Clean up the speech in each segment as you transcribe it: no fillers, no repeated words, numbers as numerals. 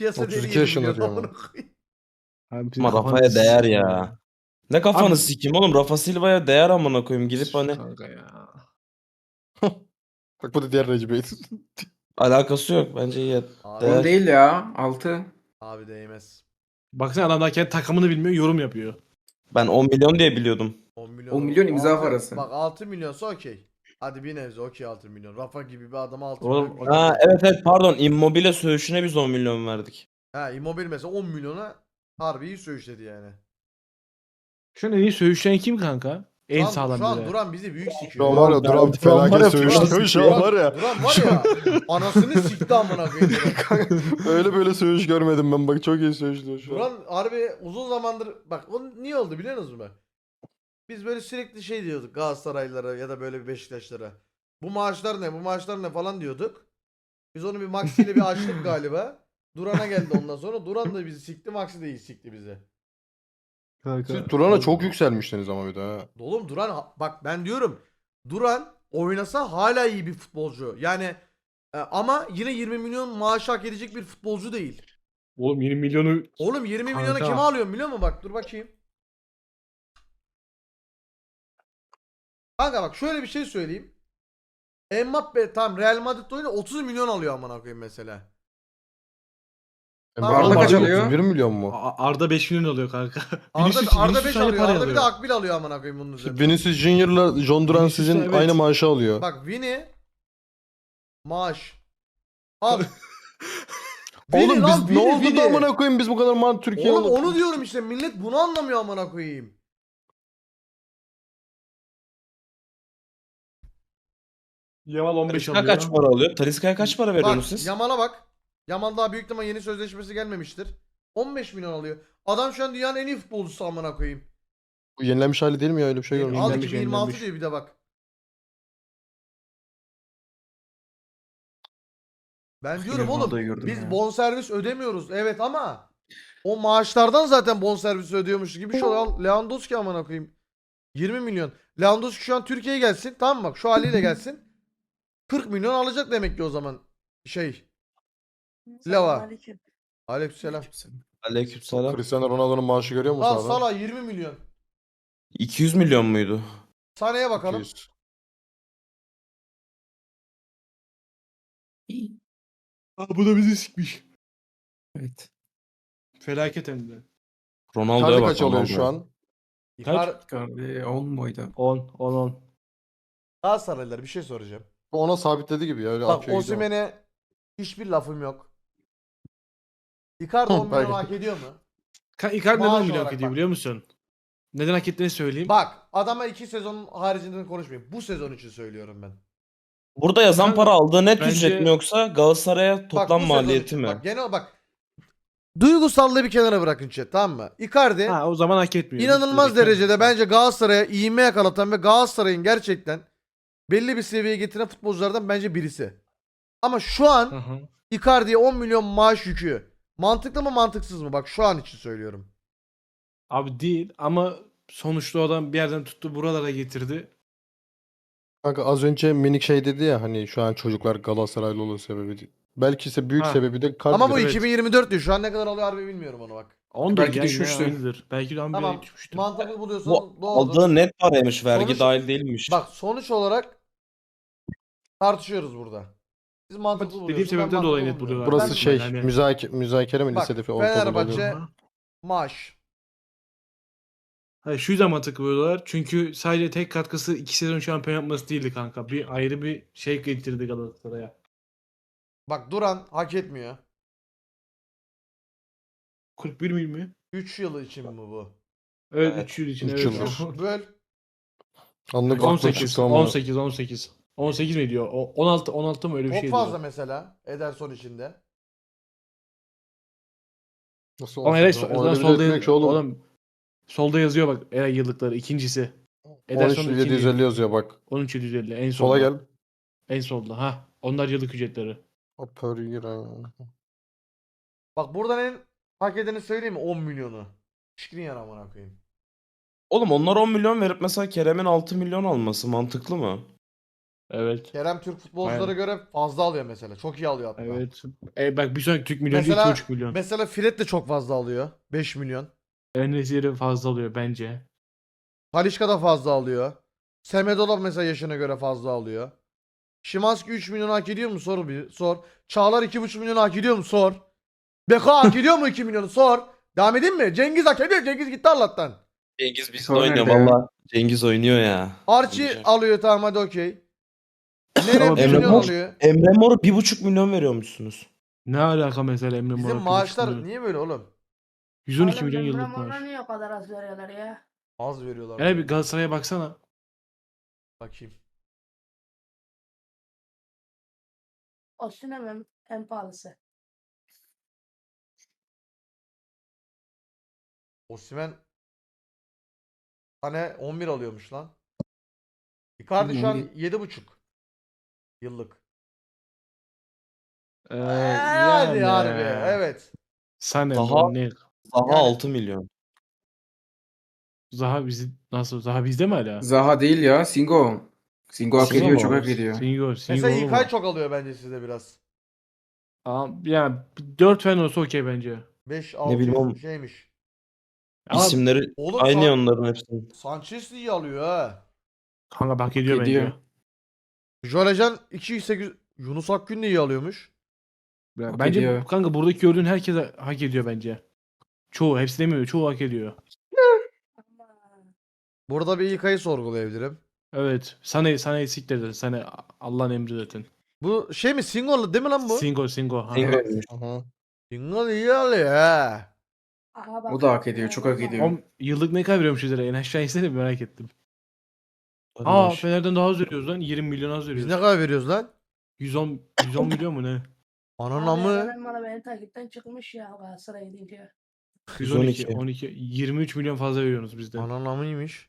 Piyasa değeri 32 7 yaşında milyon. diyor Amına ama. koyayım. Abi Ama kafanı Rafa'ya değer sikeyim ya. Ne kafanı Abi- sikeyim oğlum, Rafa Silva'ya değer amına koyayım, gidip hani Kanka ya. Bak bu da diğer Recep Bey. alakası yok bence iyi. Abi, Değer. 10 değil ya. 6. abi değmez. Baksana adam daha kendi takımını bilmiyor, yorum yapıyor. Ben 10 milyon diye biliyordum. 10 milyon. 10 milyon imza Altı- parası. Bak 6 milyonsa okey. Hadi bir nebze okey 6 milyon. Rafa gibi bir adama 6 Oğlum, milyon. Ha evet pardon, Immobile söğüşüne biz 10 milyon verdik. Ha Immobile mesela 10 milyona harbi iyi söğüşledi yani. Şu an en iyi söğüşleyen kim kanka? En sağlam Şu an bile. Duran bizi büyük Şu sikiyor. an var ya Ben- Duran Duran var ya, felaket söğüşlüyor şu an var ya. Duran var ya anasını sikti amına koyayım. Duran. Öyle böyle söğüş görmedim ben bak çok iyi söğüşlüyor şu an. Duran harbi uzun zamandır bak o niye oldu biliyor musunuz mu? Biz böyle sürekli şey diyorduk Galatasaraylılara ya da böyle bir Beşiktaşlara. Bu maaşlar ne bu maaşlar ne falan diyorduk. Biz onu bir Maxi ile bir açtık galiba. Duran'a geldi ondan sonra. Duran da bizi sikti, Maxi de iyi sikti bizi. Kanka. Siz Duran'a çok yükselmiştiniz ama bir de ha. Oğlum Duran bak ben diyorum. Duran oynasa hala iyi bir futbolcu. Yani ama yine 20 milyon maaş hak edecek bir futbolcu değil. Oğlum 20 milyonu Oğlum 20 milyona Kanka. kime alıyorum biliyor musun? Bak dur bakayım. Kanka bak şöyle bir şey söyleyeyim. Mbappe tam Real Madrid'de oynuyor 30 milyon alıyor amına koyayım mesela. Arda kaç alıyor? 31 milyon mu? Arda 5 milyon alıyor kanka. Arda 5 aynı alıyor. parayı Arda bir de Akbil alıyor amına koyayım bunun üzerine. Vinicius Junior'la John Duran Vinicius sizin evet. aynı maaşı alıyor. Bak Vini maaş. Al. Oğlum Vini lan, biz ne Vini, oldu Vini. da amına koyayım biz bu kadar Türkiye'ye Oğlum onu diyorum işte millet bunu anlamıyor amına koyayım. Yamal 15 Talisca alıyor. kaç para alıyor? Talisca'ya kaç para veriyorsunuz Bak siz? Yamal'a bak. Yamal daha büyük ama yeni sözleşmesi gelmemiştir. 15 milyon alıyor. Adam şu an dünyanın en iyi futbolcusu amına koyayım. Bu yenilenmiş hali değil mi ya öyle bir şey görmedim. Al Yenilenmiş, 2026 yenilenmiş. diyor bir de bak. Ben diyorum oğlum Ronaldo'yu gördüm biz ya. bonservis ödemiyoruz evet ama o maaşlardan zaten bonservis ödüyormuş gibi bir şey oluyor. Al Lewandowski amına koyayım. 20 milyon. Lewandowski şu an Türkiye'ye gelsin. Tamam mı? Bak şu haliyle gelsin. 40 milyon alacak demek ki o zaman. Şey. Leva. Selamünaleyküm. Aleykümselam. Aleykümselam. Cristiano Ronaldo'nun maaşı görüyor musun Al abi? Salah 20 milyon. 200 milyon muydu? Sane'ye bakalım. 200. Aa, bu da bizi sikmiş. Evet. Felaket hem de. Ronaldo'ya Icardi bak. kaç alıyor Ronaldo'ya. şu an? Icar Icardi 10 muydu? 10. Galatasaraylılar bir şey soracağım. Bu ona sabitledi gibi ya öyle Bak akıyor gidiyor. Osimhen'e hiçbir lafım yok. Icardi 10 milyon Belki. hak ediyor mu? Icardi Maaş neden milyon olarak hak ediyor bak. biliyor musun? Neden hak ettiğini söyleyeyim. Bak adama 2 sezon haricinde konuşmayayım. Bu sezon için söylüyorum ben. Burada yazan Kanka, para aldığı net bence- ücret mi yoksa Galatasaray'a Bak, toplam bu sezon maliyeti için. mi? Bak genel bak. Duygusallığı bir kenara bırakın chat tamam mı? Icardi Ha, o zaman hak etmiyor. inanılmaz Bitti, bitti. derecede bence Galatasaray'a ivme yakalatan ve Galatasaray'ın gerçekten belli bir seviyeye getiren futbolculardan bence birisi. Ama şu Hı an hı. Icardi'ye 10 milyon maaş yükü. Mantıklı mı mantıksız mı? Bak şu an için söylüyorum. Abi değil ama sonuçta o adam bir yerden tuttu buralara getirdi. Kanka az önce minik şey dedi ya hani şu an çocuklar Galatasaraylı olur sebebi değil. Belki ise büyük Ha. sebebi de Icardi. Ama bu evet. 2024 diyor. Şu an ne kadar alıyor harbi bilmiyorum onu bak. Ondur Belki ya, yine düşmüştür. aynıdır. Belki de Tamam. bir düşmüştür. Mantıklı buluyorsan Bu doğrudur. aldığı net paraymış, vergi Sonuç- dahil değilmiş. Bak sonuç olarak tartışıyoruz burada. Siz mantıklı Dediğim buluyorsunuz. ben sebepten dolayı mantıklı net bulmuyorum. buluyorlar. Burası Ben- şey Yani- müzakere mi Bak, lisede falan ortaokulda Fenerbahçe- oluyor. Maaş. Hayır, şu yüzden mantıklı buluyorlar. Çünkü sadece tek katkısı 2 sezon şampiyon yapması değildi kanka. Bir ayrı bir şey getirdi Galatasaray'a. Bak Duran hak etmiyor. 41 mil mi? 3 yıl için mi bu? Evet, Evet, 3 yıl için. üç Evet. yıldır. Böl. Anlık aklım 18, çıktı ama. 18. 18 mi diyor? 16 mı öyle bir Çok şey fazla diyor. mesela. Ederson içinde. Nasıl Ama olsun? Eray O öyle solda, bir solda, etmiyor ki oğlum. oğlum, solda yazıyor bak Eray yıllıkları ikincisi. 13.750 yazıyor bak. 13.750 en solda. Sola gel. En solda. Ha. Onlar yıllık ücretleri. Per year. Bak buradan en hak edeni söyleyeyim mi? 10 milyonu. Şikrin amına koyayım. Oğlum onlar 10 milyon verip mesela Kerem'in 6 milyon alması mantıklı mı? Evet. Kerem Türk futbolculara Aynen. göre fazla alıyor mesela. Çok iyi alıyor hatta. Evet. Bak bir sonraki Türk milyoncu Mesela 2,5 milyon. mesela Fred de çok fazla alıyor. 5 milyon. En fazla alıyor bence. Talisca da fazla alıyor. Semedo da mesela yaşına göre fazla alıyor. Szymański 3 milyon hak ediyor mu? Sor bir. Sor. Çağlar 2,5 milyon hak ediyor mu? Sor. Beko hak ediyor mu 2 milyonu? Sor. Devam edeyim mi? Cengiz hak ediyor. Cengiz gitti Allah'tan. Cengiz bizde Sor oynuyor nerede ya? valla. Cengiz oynuyor ya. Archie Olacak. alıyor, tamam hadi okey. Nene Ama 1 Emre milyon Mor, alıyor. Emre Mor'a 1,5 milyon veriyormuşsunuz. Ne alaka mesela Emre Bizim Mor'a 1,5 maaşlar milyon? niye böyle oğlum? 112 Oğlum milyon Emre yıllık Mor'a maaş. niye o kadar az veriyorlar ya? Az veriyorlar. Yani bir Galatasaray'a baksana. Bakayım. Osimhen en pahalısı. Osimhen hani 11 alıyormuş lan. Icardi şu an 11. 7,5 yıllık. Yani. Hadi harbi. Evet. Sané, Daha- ne? Daha Yani- 6 milyon. Zaha bizi nasıl? Zaha bizde mi hala? Zaha değil ya. Singo. Singo hak Singo ediyor. mu? Çok hak ediyor. Singo Mesela oğlum İlkay o. çok alıyor bence sizde biraz. Yani 4 falan olsa okey bence. 5 Ne bileyim 6 oğlum. şeymiş. Ama İsimleri Oğlum aynı ya onların hepsinin. Sanchez de iyi alıyor ha. kanka hak ediyor Hak bence. ediyor. Jolejan 2,8 Yunus Akgün de iyi alıyormuş. Hak Bence ediyor. kanka buradaki gördüğün herkes hak ediyor bence. Çoğu, hepsi demiyor. Çoğu hak ediyor. Ama Burada bir İlkay'ı sorgulayabilirim. Evet. Sané siktir zaten. Sané Allah'ın emri zaten. Bu şey mi Singo'lu değil mi lan bu? Singo. Ha. Singo'ymuş. Aha. Singo iyi alıyor ha. aha bak. O da hak ediyor. Çok hak ediyor. Oğlum, yıllık ne kadar veriyormuş üzere? En aşağı insene bir merak ettim. Hadi Aa maş. Fener'den daha az veriyoruz lan. 20 milyon az Biz veriyoruz. ne kadar veriyoruz lan? 110 milyon mu ne? Ananın Abi amı. Eren bana beni takipten çıkmış ya Galatasaray'a gidince. 112, 112. 12, 23 milyon fazla veriyorsunuz bizden. Ananın amıymış.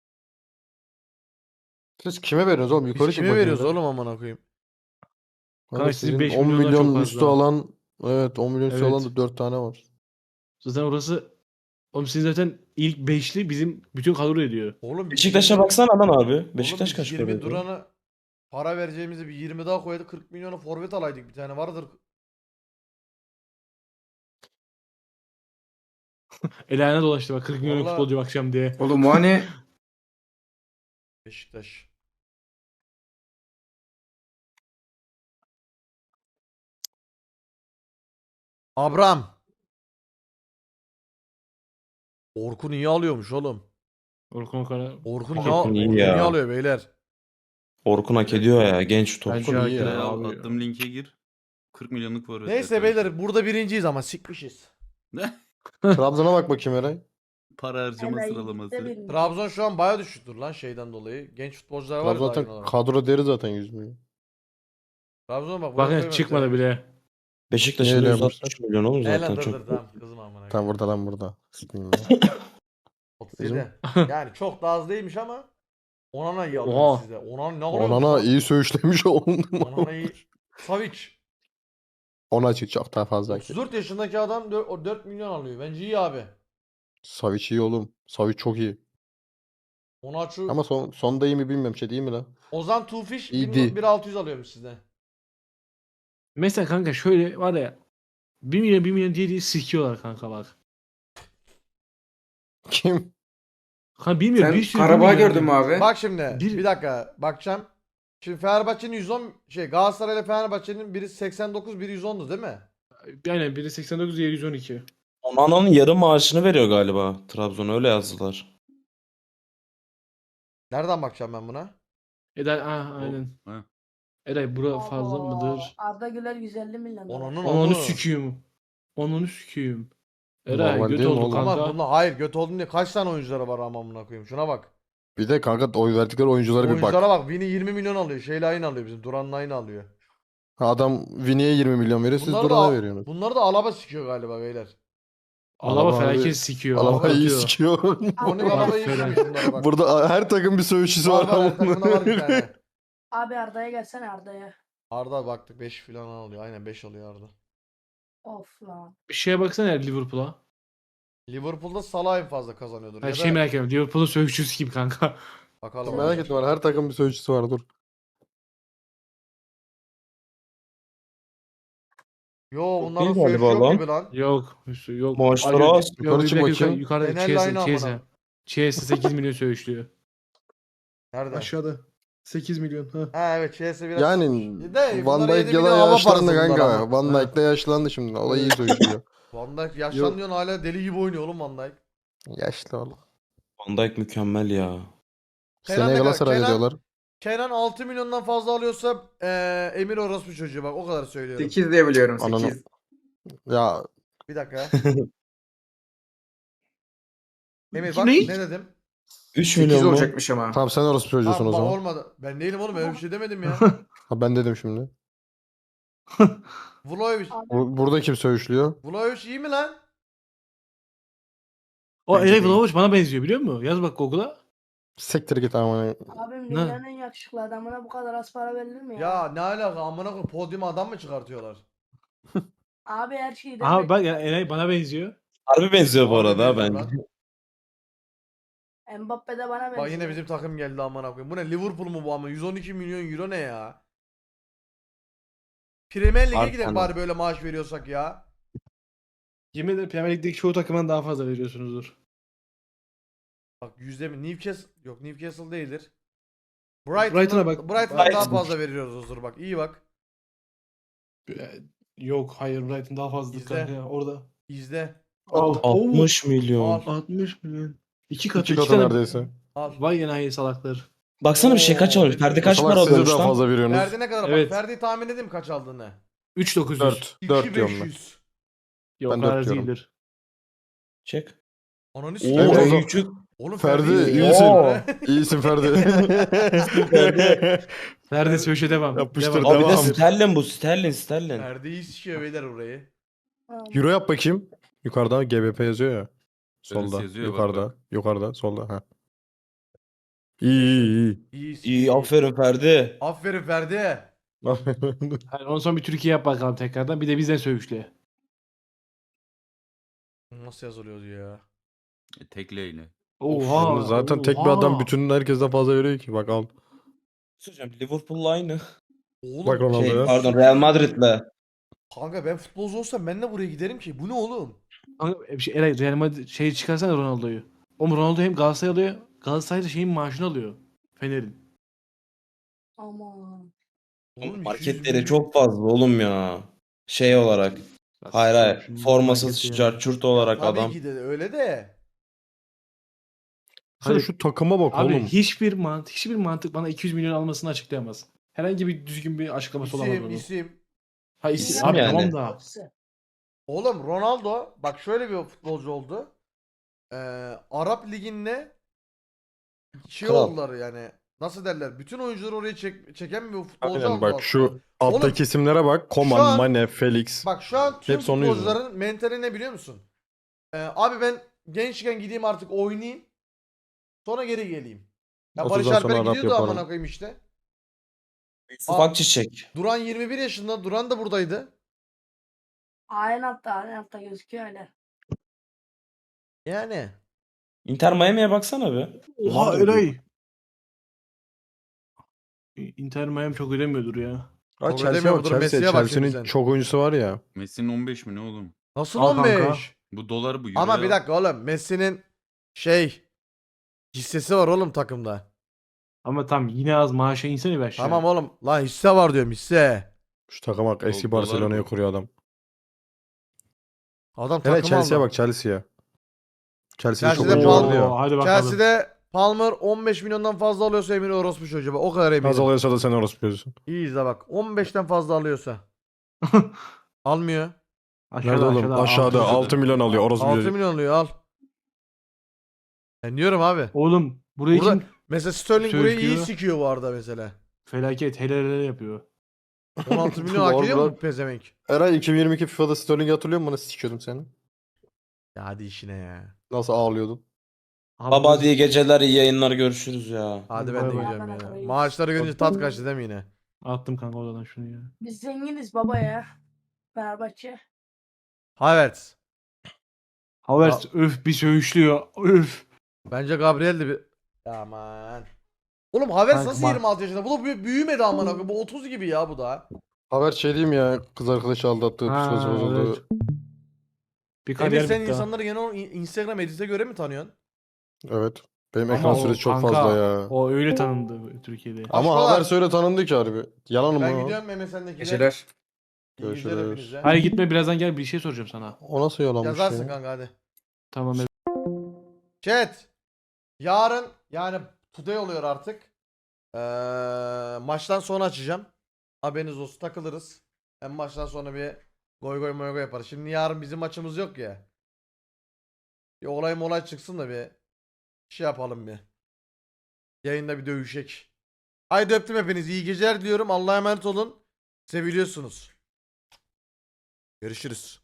Siz kime veriyorsunuz oğlum? Yukarı Biz çık kime bakayım veriyoruz bir. oğlum amına koyayım? Kanka Kanka sizin sizin 5 10 milyonlar çok milyon fazla. üstü alan, evet 10 milyon üstü Evet. alan da 4 tane var. Zaten orası oğlum sizin zaten ilk 5'li bizim bütün kadro ediyor. Oğlum biz Beşiktaş'a 20 baksana lan abi. Oğlum Beşiktaş biz kaç 20 para veriyor? Duran'a para vereceğimizi bir 20 daha koydu 40 milyona forvet alaydık bir tane vardır. El ayağına dolaştı bak 40 milyon Vallahi- futbolcu bakacağım diye. Oğlum o hani Beşiktaş. Abraham. Orkun iyi alıyormuş oğlum. Orkun Okan'a Orkun, Hak ne, etti. Orkun iyi iyi ya. alıyor beyler. Orkun hak ediyor ya. Genç top. Bence iyi hak ya. ediyor Al, abi. attığım linke gir. 40 milyonluk forvet. Neyse beyler burada birinciyiz ama sikmişiz. Trabzon'a bak bakayım Eray. Para harcama Enayi sıralaması. gitti birinci. Trabzon şu an baya düşüktür lan şeyden dolayı. Genç futbolcular var Trabzon ya zaten daha olarak. kadro deri zaten 100 milyon. Trabzon bak. Bakın çıkmadı bile. Beşiktaş'ın Neyle 160 milyon oğlum Zaten zaten dur çok. tamam kızım amına. Tam burada lan burada. Sıkmayın ya. 37. Yani çok da az değilmiş ama Onana iyi alıyor Oha. size. Onana ne alıyor? Onana iyi söğüşlemiş oğlum. Onana iyi. Savic. Ona çık çok daha fazla. 34 yaşındaki adam 4 milyon alıyor. Bence iyi abi. Savic iyi oğlum. Savic çok iyi. Onaçu. Ama sonda iyi mi bilmiyorum şey değil mi lan? Ozan Tufiş İyi değil. 1600 alıyormuş sizden. Mesela kanka şöyle var ya 1 milyon diye sikiyorlar kanka bak. Kim? Kanka bilmiyorum sen bir sürü Karabağ 1 milyon gördün mü diyor. abi? Bak şimdi Bir- bir dakika bakacağım. Şimdi Fenerbahçe'nin 110 Galatasaray ile Fenerbahçe'nin biri 89 biri 110'du değil mi? Aynen biri 89 diğeri 112. Onana'nın yarı maaşını veriyor galiba. Trabzon öyle yazdılar. Nereden bakacağım ben buna? Eday aynen. Ha. Eday bura fazla Abo, mıdır? Arda Güler 150 milyon. dolar. Onanın Onu onu. süküyüm. Onu süküyüm. Eray Normal göt değil mi oldu oğlum? kanka. Ama bunda hayır göt oldun diye kaç tane oyuncuları var ama amına koyayım. Şuna bak. Bir de kanka oy verdikleri oyunculara bir bak. Oyunculara bak. Vini 20 milyon alıyor. Şeyle aynı alıyor bizim. Duran'la aynı alıyor. Adam Vini'ye 20 milyon veriyor siz Bunları Duran'a da, veriyorsunuz. bunları da Alaba sikiyor galiba beyler. Alaba Alaba felaket abi- sikiyor. Alaba iyi atıyor. sikiyor. Konik Abi, Alaba iyi Aferin. sikiyor bunlara bak. Burada her takım bir söğüşçüsü var. Var her takımda var bir tane. Abi Arda'ya gelsene Arda'ya. Arda baktık 5 falan alıyor. Aynen 5 alıyor Arda. Of lan. Bir şeye baksana ya Liverpool'a. Liverpool'da Salah en fazla kazanıyordur. Her Ya şey da merak ediyorum. Liverpool'un sövüşçüsü gibi kanka. bakalım. Merak etme var her takım bir söğüşçüsü var dur. Yo bunların değil söğüşü galiba yok lan. gibi lan. Yok. Üstü yok. Maaşları Acı- az. Yok, Yukarı bir çık dakika, bakayım. Yukarıda Fenerli aynı amına. Chiesa 8 milyon söğüşlüyor. Nerede? Aşağıda. 8 milyon. Ha. Ha evet Chelsea biraz Yani çıkmış. De, Van bunlara Dijk 7 ya da milyon hava yaşlandı parası bunlar kanka. ama. Van Dijk de yaşlandı şimdi. O da iyi söylüyor. Van Dijk yaşlanıyorsun hala deli gibi oynuyor oğlum Van Dijk. Yaşlı oğlum. Van Dijk mükemmel ya. Kenan Seneye ne kadar? Galatasaray Kenan- diyorlar. Kenan 6 milyondan fazla alıyorsa Emir orospu çocuğu bak o kadar söylüyorum. 8 diye biliyorum. Ananı- 8. Ya Bir dakika. Emir İki bak ne? ne dedim? 3 8 milyon mu? olacakmış ama. tamam sen orası çocuğusun Tamam, o bak zaman. olmadı. Ben değilim oğlum öyle bir şey demedim ya. Ha, ben dedim şimdi. Vlahovic. Burada kim söğüşlüyor? Vlahovic iyi mi lan? O Bence Eray değil. Vlahovic bana benziyor biliyor musun? Yaz bak Google'a. Siktir git ama. Abim dünyanın en yakışıklı adamına bu kadar az para verilir mi ya? Ya ne alaka amına koyayım podyuma adam mı çıkartıyorlar? Abi her şeyi Aha demek. bak ya Eray bana benziyor. Harbi benziyor bu Harbi arada ha benziyor bence. lan. Mbappe de bana benziyor. Bak yine bizim takım geldi amına koyayım. Bu ne Liverpool mu bu ama 112 milyon euro ne ya? Premier Lig'e Harbi gidelim ana. bari böyle maaş veriyorsak ya. Yemin ederim Premier Lig'deki çoğu takımdan daha fazla veriyorsunuzdur. Bak yüzde mi? Newcastle yok Newcastle değildir. Brighton'a bak. Brighton'a daha Brighton. fazla veriyoruzdur bak. İyi bak. Yok hayır Brighton daha fazladır İzle. kanka ya, orada. İzle. Al. 60 milyon. Al. 60 milyon. İki katı. İki katı tane- neredeyse. Al. Vay enayi salaklar. Baksana bir şey kaç Oo, almış? Ferdi kaç Salak para siz de alıyormuş daha lan? fazla veriyorsunuz. Ferdi ne kadar? Evet. Bak Ferdi'yi tahmin edeyim kaç aldığını. 3900. 4. 4 diyorum ben. 2500. Yok Ben o dört kadar diyorum. değildir. Çek. Ananı Oo sikeyim. Evet, o- küçük. Oğlum Ferdi iyi iyisin. Oo. İyisin Ferdi. Ferdi Söğüş'e devam. Yapıştır, Devam. Abi bir de Devam. sterlin bu sterlin. Ferdi iyi sikiyor beyler orayı. Tamam. Euro yap bakayım. Yukarıda GBP yazıyor ya. Şöyle Solda. yazıyor, bak, Yukarıda. bak. Yukarıda. Solda. Ha. İyi. İyi İyi aferin Ferdi. Aferin Ferdi. Hani ondan sonra bir Türkiye yap bakalım tekrardan. Bir de bizden Söğüş'le. Nasıl yazılıyordu ya? Tekleyle. Oha. Şimdi zaten tek bir adam bütün herkesten fazla veriyor ki. Bak al. Söyleyeceğim Liverpool'la aynı. Oğlum Bak Ronaldo Şey ya. pardon Real Madrid'le. kanka ben futbolcu olsam ben de buraya giderim ki. Bu ne oğlum? Kanka, bir şey, Eray Real Madrid şey çıkarsana Ronaldo'yu. Oğlum Ronaldo hem Galatasaray alıyor. Galatasaray'da şeyin maaşını alıyor. Fener'in. Aman. Oğlum 200 Marketleri milyon. çok fazla oğlum ya. Şey olarak. Hayır. Şunun Formasız marketi ya. çarçurt olarak Tabii adam. ki de öyle de. Sen Hani- şu takıma bak Abi oğlum. hiçbir mantık bana 200 milyon almasını açıklayamaz. Herhangi bir düzgün bir açıklaması olamaz İsim onun. isim. Ha İsim abi yani. tamam da. Oğlum Ronaldo bak şöyle bir futbolcu oldu. Arap liginde şey Kral. oldular yani. Nasıl derler? Bütün oyuncuları oraya çeken bir futbolcu Aynen aldı bak aslında. şu alttaki isimlere bak. şu Koman, an- Mane, Felix. Bak şu an tüm Hepsi onun yüzünden. futbolcuların mentali ne biliyor musun? Abi ben gençken gideyim artık oynayayım. Sonra geri geleyim. Ya 30'dan Barış sonra Alper Arap gidiyordu yaparım. amına koyayım işte. Yusuf Akçiçek. Duran 21 yaşında. Duran da buradaydı. Aynı hatta gözüküyor öyle. Yani. Inter Miami'ye baksana be. Oha Ronaldo Eray. Inter Miami çok ödemiyordur ya. Ha, Kabul Chelsea edemiyor bak mudur? Chelsea. Messi'ye bak şimdi Chelsea'nin sen. çok oyuncusu var ya. Messi'nin 15 mi ne oğlum? Nasıl Al kanka. 15? Bu dolar bu euro. Ama bir ya. dakika oğlum. Messi'nin hissesi var oğlum takımda. Ama tam yine az maaşa insene be aşağı. Tamam oğlum. Lan hisse var diyorum hisse. Şu takıma bak eski Dolar Barcelona'ya bu. kuruyor adam. Adam Evet takım Chelsea'ye aldı. bak Chelsea'ye. Chelsea'de çok Chelsea'de oyuncu puan var diyor. Hadi bakalım. Chelsea'de Palmer 15 milyondan fazla alıyorsa Emir orospu çocuğu. Bak, o kadar Az eminim. alıyorsa da sen orası diyorsun. İyi izle bak. 15'ten fazla alıyorsa. Almıyor. Nerede oğlum? Aşağıda altı. 6 milyon alıyor orası 6 diyor. milyon alıyor al. Ben diyorum abi. Oğlum burayı Burada kim mesela Sterling burayı iyi Söylüyor. sikiyor bu arada mesela. felaket hele yapıyor. 16 milyon hak ediyor mu Vallahi- bu pezevenk? Eray 2022 FIFA'da Sterling'i hatırlıyor musun? Nasıl sikiyordum seni? Ya hadi işine ya. Nasıl ağlıyordun? Abi Baba bu- diye geceler iyi yayınlar görüşürüz ya. Hadi Bay ben de bay. gidiyorum Bana ya. reis. Maaşları görünce tat kaçtı değil mi yine? Attım kanka oradan şunu ya. Biz zenginiz baba ya. Fenerbahçe. Havertz. Havertz öf bir söğüşlüyor. Öf. Bence Gabriel de bir... Aman. Oğlum Havertz Kanka nasıl bak- 26 yaşında? Bu da büyümedi amına koyayım. Bu 30 gibi ya bu da. Haber şey diyeyim ya, kız arkadaşı aldattı, psikolojisi Ha, bozuldu. evet. Bir Emir kariyer sen bitti ha. insanları genel olarak Instagram edit'e göre mi tanıyorsun? Evet. Benim Ama ekran o süresi çok kanka, fazla ya. O öyle tanındı Türkiye'de. Ama Aşkolar. haber söyle tanındı ki harbi. Yalan mı? Ben o? gidiyorum MSN'dekiler. Geceler. İyi geceler Görüşürüz. hepinize. Hayır gitme, birazdan gel, bir şey soracağım sana. O nasıl yalanmış Yazarsın ya? kanka hadi. Tamam evet. Chat. Yarın yani today oluyor artık. Maçtan sonra açacağım. Haberiniz olsun, takılırız. Hem maçtan sonra bir goy goy moy goy yaparız. Şimdi yarın bizim maçımız yok ya. Bir olay çıksın da bir şey yapalım bir. Yayında bir dövüşek. Haydi öptüm hepinizi. İyi geceler diliyorum. Allah'a emanet olun. Seviliyorsunuz. Görüşürüz.